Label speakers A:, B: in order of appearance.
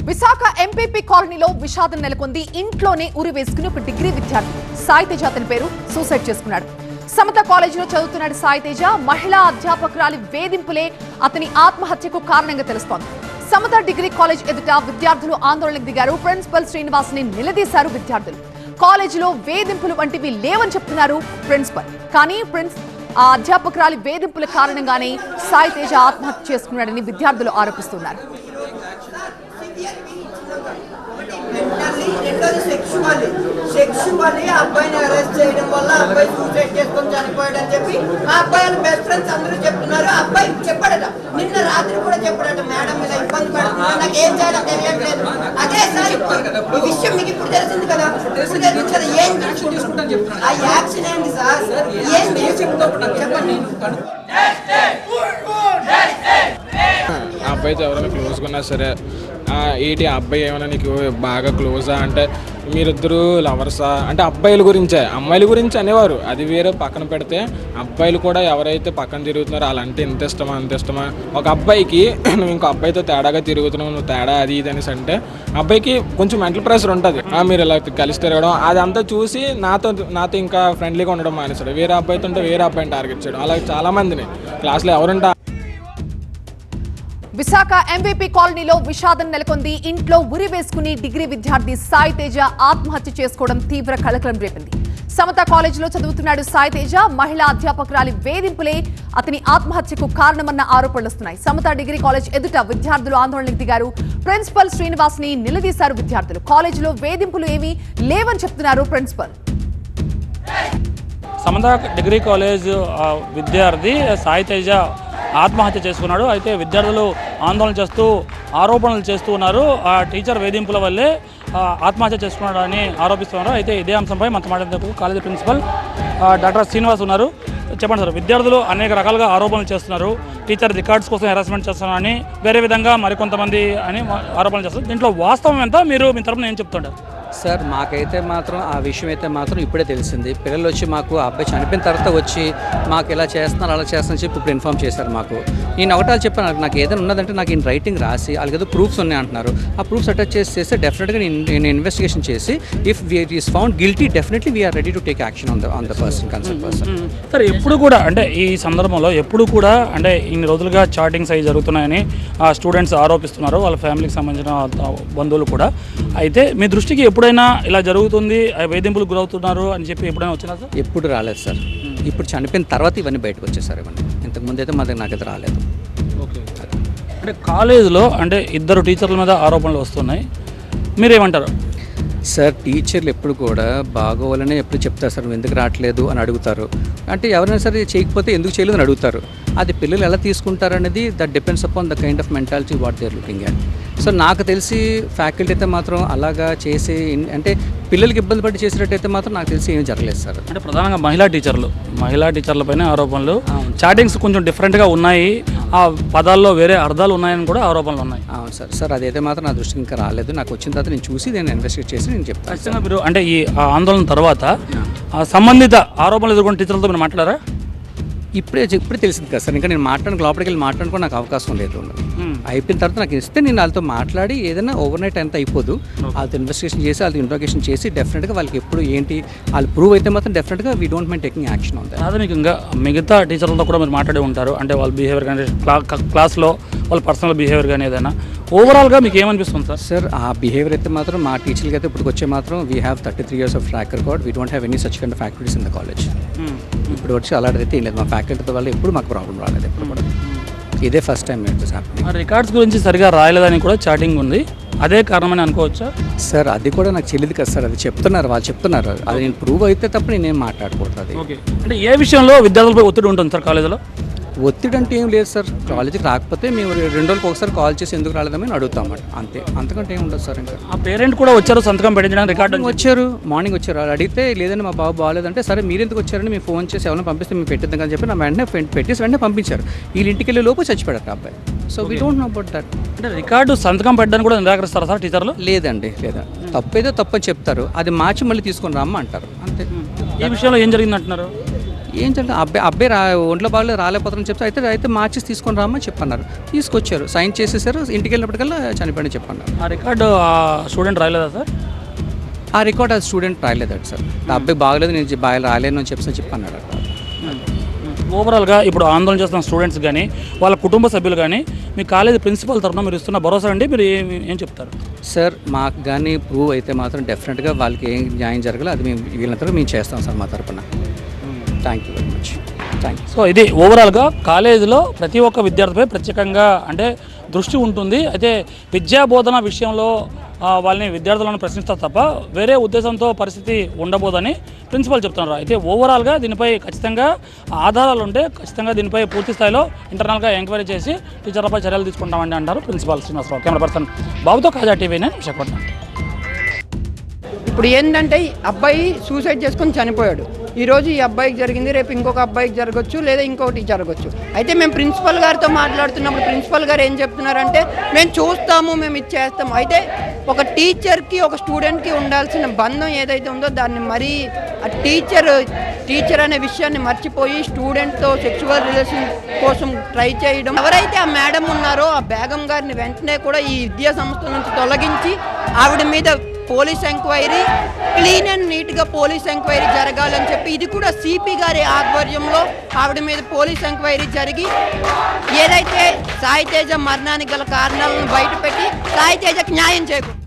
A: Visakha MPP కాలనీలో విషాదం నెలకొంది. ఇంట్లోనే ఉరి వేసుకుని ఒక డిగ్రీ విద్యార్థి సాయి తేజ అతని పేరు సూసైడ్ చేసుకున్నాడు. సమత కాలేజీలో చదువుతున్నాడు సాయి తేజ. మహిళా అధ్యాపకురాలి వేధింపులే అతని ఆత్మహత్యకు కారణంగా తెలుస్తోంది. సమత డిగ్రీ కాలేజ్ ఎదుట విద్యార్థులు ఆందోళనకు దిగారు. ప్రిన్సిపల్ శ్రీనివాస్ ని నిలదీశారు విద్యార్థులు. కాలేజీలో వేధింపులు వంటివి లేవని చెప్తున్నారు ప్రిన్సిపల్. కానీ ఆ అధ్యాపకురాలి వేధింపుల కారణంగానే సాయి తేజ ఆత్మహత్య చేసుకున్నాడని విద్యార్థులు ఆరోపిస్తున్నారు.
B: సెక్షువల్లీ అబ్బాయిని అరెస్ట్ చేయడం వల్ల అబ్బాయి సూసైడ్ చేసుకొని చనిపోయాడని చెప్పి ఆ అబ్బాయి వాళ్ళ బెస్ట్ ఫ్రెండ్స్ అందరూ చెప్తున్నారు. అబ్బాయి చెప్పాడట, నిన్న రాత్రి కూడా చెప్పాడట, మేడం మీద ఇబ్బంది పడుతున్నా, నాకు ఏం చేయాలో తెలియట్లేదు. అదే సార్ ఈ విషయం మీకు ఇప్పుడు తెలిసింది కదా, ఇప్పుడు తెలిసింది కదా, ఏం ఆ యాక్షన్ ఏంటి సార్, ఏం చెప్పండి.
C: అబ్బాయితో ఎవరైనా క్లోజ్గా ఉన్నా సరే, ఏంటి అబ్బాయి ఏమైనా నీకు బాగా క్లోజా అంటే మీరిద్దరూ లవర్సా అంటే అబ్బాయిల గురించే, అమ్మాయిల గురించి అనేవారు. అది వేరే పక్కన పెడితే అబ్బాయిలు కూడా ఎవరైతే పక్కన తిరుగుతున్నారో వాళ్ళంటే ఇంత ఇష్టమా అంత ఇష్టమా. ఒక అబ్బాయికి నువ్వు ఇంకో అబ్బాయితో తేడాగా తిరుగుతున్నావు, నువ్వు తేడా అది ఇది అనేసి అంటే అబ్బాయికి కొంచెం మెంటల్ ప్రెషర్ ఉంటుంది. మీరు ఇలా కలిసి తిరగడం అదంతా చూసి నాతో ఇంకా ఫ్రెండ్లీగా ఉండడం మానేస్తాడు. వేరే అబ్బాయితో ఉంటే వేరే అబ్బాయిని టార్గెట్ చేయడం, అలాగే చాలామందిని క్లాస్లో ఎవరుంటా.
A: విశాఖ ఎంపీపీ కాలనీలో విషాదం నెలకొంది. ఇంట్లో ఉరి వేసుకుని డిగ్రీ విద్యార్థి సాయి తేజ ఆత్మహత్య చేసుకోవడం తీవ్ర కలకలం రేపింది. సమత కాలేజీలో చదువుతున్నాడు సాయి తేజ. మహిళా అధ్యాపకురాలి వేధింపులే అతని ఆత్మహత్యకు కారణమన్న ఆరోపణలు వస్తున్నాయి. సమత డిగ్రీ కాలేజ్ ఎదుట విద్యార్థులు ఆందోళనకు దిగారు. ప్రిన్సిపల్ శ్రీనివాస్ ని నిలదీశారు విద్యార్థులు. కాలేజీలో వేధింపులు ఏమీ లేవని చెప్తున్నారు ప్రిన్సిపల్.
D: సమత డిగ్రీ కాలేజ్ విద్యార్థి సాయి తేజ ఆత్మహత్య చేసుకున్నాడు. అయితే విద్యార్థులు ఆందోళన చేస్తూ ఆరోపణలు చేస్తూ ఉన్నారు. ఆ టీచర్ వేధింపుల వల్లే ఆత్మహత్య చేసుకున్నాడని ఆరోపిస్తున్నారు. అయితే ఇదే అంశంపై మనతో మాట్లాడేందుకు కాలేజీ ప్రిన్సిపల్ డాక్టర్ శ్రీనివాస్ ఉన్నారు. చెప్పండి సార్, విద్యార్థులు అనేక రకాలుగా ఆరోపణలు చేస్తున్నారు. టీచర్ రికార్డ్స్ కోసం హెరాస్మెంట్ చేస్తున్నారని, వేరే విధంగా మరికొంతమంది అని ఆరోపణలు చేస్తున్నారు. దీంట్లో వాస్తవం ఎంత, మీరు మీ తరపున ఏం చెప్తుంటారు?
E: సార్, మాకైతే మాత్రం ఆ విషయం అయితే మాత్రం ఇప్పుడే తెలిసింది. పిల్లలు వచ్చి మాకు ఆ అబ్బాయి చనిపోయిన తర్వాత వచ్చి మాకు ఇలా చేస్తున్నారు అలా చేస్తారని చెప్పి ఇప్పుడు ఇన్ఫామ్ చేశారు మాకు. నేను ఒకటాలు చెప్పాను, నాకు ఏదైనా ఉన్నదంటే నాకు ఇన్ రైటింగ్ రాసి వాళ్ళకి ఏదో ప్రూఫ్స్ ఉన్నాయి అంటున్నారు. ఆ ప్రూఫ్స్ అటాచ్ చేస్తే డెఫినెట్గా నేను ఇన్వెస్టిగేషన్ చేసి if is found guilty definitely we are ready to take action on the person concerned person.
D: Sir, ఎప్పుడు కూడా అంటే ఈ సందర్భంలో ఎప్పుడు కూడా అంటే ఇన్ని రోజులుగా చాటింగ్స్ అవి జరుగుతున్నాయని స్టూడెంట్స్ ఆరోపిస్తున్నారు, వాళ్ళ ఫ్యామిలీకి సంబంధించిన బంధువులు కూడా. అయితే మీ దృష్టికి ఎప్పుడైనా ఇలా జరుగుతుంది, వేధింపులకు గురవుతున్నారు అని చెప్పి ఎప్పుడైనా వచ్చినా సార్?
E: ఎప్పుడు రాలేదు సార్. ఇప్పుడు చనిపోయిన తర్వాత ఇవన్నీ బయటకు వచ్చేసారు. ఇవన్నీ ఇంతకుముందు అయితే మా దగ్గర నాకైతే రాలేదు.
D: ఓకే, అంటే కాలేజీలో అంటే ఇద్దరు టీచర్ల మీద ఆరోపణలు వస్తున్నాయి, మీరేమంటారు?
E: సార్, టీచర్లు ఎప్పుడు కూడా బాగోవాలనే ఎప్పుడు చెప్తారు సార్, నువ్వు ఎందుకు రావట్లేదు అని అడుగుతారు. అంటే ఎవరైనా సరే చేయకపోతే ఎందుకు చేయలేదు అని అడుగుతారు. అది పిల్లలు ఎలా తీసుకుంటారు అనేది that depends upon the kind of mentality what they are looking at. So నాకు తెలిసి ఫ్యాకల్టీ అయితే మాత్రం అలాగా చేసి అంటే పిల్లలకి ఇబ్బంది పడి చేసినట్టయితే మాత్రం నాకు తెలిసి ఏమీ జరగలేదు సార్.
D: అంటే ప్రధానంగా మహిళా టీచర్లపైన ఆరోపణలు, చాటింగ్స్ కొంచెం డిఫరెంట్గా ఉన్నాయి, ఆ పదాల్లో వేరే అర్థాలు ఉన్నాయని కూడా ఆరోపణలు ఉన్నాయి.
E: అవును సార్. సార్, అదైతే మాత్రం నా దృష్టికి ఇంకా రాలేదు. నాకు వచ్చిన తర్వాత నేను చూసి నేను ఇన్వెస్టిగేట్ చేసి నేను చెప్తాను.
D: ఖచ్చితంగా మీరు అంటే ఈ ఆందోళన తర్వాత సంబంధిత ఆరోపణలు ఎదుర్కొన్న టీచర్లతో మీరు మాట్లాడారా?
E: ఇప్పుడే తెలిసింది కదా సార్. ఇంకా నేను లోపలికి వెళ్ళి మాట్లాడుకో నాకు అవకాశం లేదు. అయిపోయిన తర్వాత నాకు ఇస్తే నేను వాళ్ళతో మాట్లాడి ఏదైనా ఓవర్ నైట్ అంతా అయిపోదు, వాళ్ళతో ఇన్వెస్టిగేషన్ చేసి వాళ్ళతో ఇంట్రాగేషన్ చేసి డెఫినెట్గా వాళ్ళకి ఎప్పుడు ఏంటి వాళ్ళు ప్రూవ్ అయితే మాత్రం డెఫినెట్గా we don't mind taking action on that.
D: ప్రాథమికంగా మిగతా టీచర్లతో కూడా మీరు మాట్లాడి ఉంటారు, అంటే వాళ్ళ బిహేవియర్ కానీ క్లాస్లో వాళ్ళ పర్సనల్ బిహేవియర్ కానీ ఏదైనా ఓవరాల్గా మీకు ఏమనిపిస్తుంది సార్?
E: సార్, ఆ బిహేవియర్ అయితే మాత్రం మా టీచర్లకి అయితే ఇప్పుడు వచ్చే మాత్రం we have 33 years of track record. We don't have any such kind of activities in the college. ఇప్పుడు వచ్చి అలాంటిదైతే ఏం లేదు. మా ఫ్యాకల్టీతో వల్ల ఎప్పుడు మాకు ప్రాబ్లం రాలేదు. ఎప్పుడు కూడా ఇదే ఫస్ట్ టైం
D: రికార్డ్స్ గురించి సరిగా రాయలేదని కూడా చాటింగ్ ఉంది, అదే కారణమని అనుకోవచ్చా
E: సార్? అది కూడా నాకు తెలియదు కదా సార్. అది వాళ్ళు చెప్తున్నారు. అది నేను ప్రూవ్ అయితే తప్ప నేనేం మాట్లాడకూడదు. అది
D: అంటే ఏ విషయంలో విద్యార్థులపై ఒత్తిడి ఉంటుంది సార్ కాలేజీలో?
E: ఒత్తిడి అంటే ఏం లేదు సార్. కాలేజీకి రాకపోతే మేము 2 రోజులకు ఒకసారి కాల్ చేసి ఎందుకు రాలేదని అడుగుతాం, అంతే. అంతకంటే ఏం ఉండదు సార్. ఇంకా
D: ఆ పేరెంట్ కూడా వచ్చారు సంతకం పెట్టించడానికి, రికార్డు
E: వచ్చారు, మార్నింగ్ వచ్చారు. అడిగితే లేదని మా బాబు బాగాలేదంటే సరే మీరు ఎందుకు వచ్చారని మేము ఫోన్ చేసి ఎవరైనా పంపిస్తే మేము పెట్టిద్దాం అని చెప్పి నా వెంటనే వెంటనే పంపించారు. వీళ్ళ ఇంటికి వెళ్ళే లోపు చచ్చిపోయారు అబ్బాయి. So we don't know about that.
D: అంటే రికార్డు సంతకం పెట్టడానికి కూడా నిరాకరిస్తారా సార్ టీచర్లు?
E: లేదండి, లేదా. తప్పైతే తప్పని చెప్తారు, అది మార్చి మళ్ళీ తీసుకొని రమ్మ అంటారు, అంతే.
D: ఈ విషయంలో ఏం జరిగింది అంటున్నారు?
E: ఏం జరిగింది, అబ్బాయి ఒంట్లో బాగా రాలేకపోతారని చెప్తే అయితే మార్చేసి తీసుకొని రామని చెప్పన్నారు. తీసుకొచ్చారు, సైన్ చేసేసారు, ఇంటికి వెళ్ళినప్పటికల్లా చనిపోయిన చెప్పన్నారు.
D: ఆ రికార్డు ఆ స్టూడెంట్ రాయలేదా సార్?
E: ఆ రికార్డ్ ఆ స్టూడెంట్ రాయలేదట సార్. ఆ అబ్బాయి బాగలేదు, నేను బాగా రాలేను అని చెప్పన్నాడు.
D: ఓవరాల్గా ఇప్పుడు ఆందోళన చేస్తున్న స్టూడెంట్స్ కానీ వాళ్ళ కుటుంబ సభ్యులు కానీ మీ కాలేజీ ప్రిన్సిపల్ తరఫున మీరు ఇస్తున్న భరోసా అండి, మీరు ఏం చెప్తారు?
E: సార్ మాకు కానీ ప్రూవ్ అయితే మాత్రం డెఫినెట్గా వాళ్ళకి ఏం న్యాయం జరగాలో అది మేము వీళ్ళంతా మేము చేస్తాం సార్ మా తరఫున. Thank you very much. Thank you.
D: So ఇది ఓవరాల్గా కాలేజీలో ప్రతి ఒక్క విద్యార్థిపై ప్రత్యేకంగా అంటే దృష్టి ఉంటుంది. అయితే విద్యా బోధన విషయంలో వాళ్ళని విద్యార్థులను ప్రశ్నిస్తారు తప్ప వేరే ఉద్దేశంతో పరిస్థితి ఉండబోదని ప్రిన్సిపల్ చెప్తున్నారు. అయితే ఓవరాల్గా దీనిపై ఖచ్చితంగా ఆధారాలు ఉంటే ఖచ్చితంగా దీనిపై పూర్తి స్థాయిలో ఇంటర్నల్గా ఎంక్వైరీ చేసి టీచర్లపై చర్యలు తీసుకుంటామని అంటారు ప్రిన్సిపాల్ శ్రీనివాసరావు. కెమెరా పర్సన్ బాబుతో కాజా టీవీ నేను విశాఖపట్నం.
F: ఇప్పుడు ఏంటంటే అబ్బాయి సూసైడ్ చేసుకొని చనిపోయాడు. ఈరోజు ఈ అబ్బాయికి జరిగింది, రేపు ఇంకొక అబ్బాయికి జరగచ్చు, లేదా ఇంకొకటి జరగచ్చు. అయితే మేము ప్రిన్సిపల్ గారితో మాట్లాడుతున్నప్పుడు ప్రిన్సిపల్ గారు ఏం చెప్తున్నారంటే మేము చూస్తాము, మేము ఇది చేస్తాము. అయితే ఒక టీచర్కి ఒక స్టూడెంట్కి ఉండాల్సిన బంధం ఏదైతే ఉందో దాన్ని మరీ ఆ టీచర్ అనే విషయాన్ని మర్చిపోయి స్టూడెంట్తో సెక్సువల్ రిలేషన్ కోసం ట్రై చేయడం. ఎవరైతే ఆ మేడం ఉన్నారో ఆ బేగం గారిని వెంటనే కూడా ఈ విద్యా సంస్థ నుంచి తొలగించి ఆవిడ మీద పోలీస్ ఎంక్వైరీ, క్లీన్ అండ్ నీట్గా పోలీస్ ఎంక్వైరీ జరగాలని చెప్పి ఇది కూడా సిపి గారి ఆధ్వర్యంలో ఆవిడ మీద పోలీస్ ఎంక్వైరీ జరిగి ఏదైతే సాయి తేజ మరణానికి గల కారణాలను బయటపెట్టి సాయి తేజకు న్యాయం చేకూరు.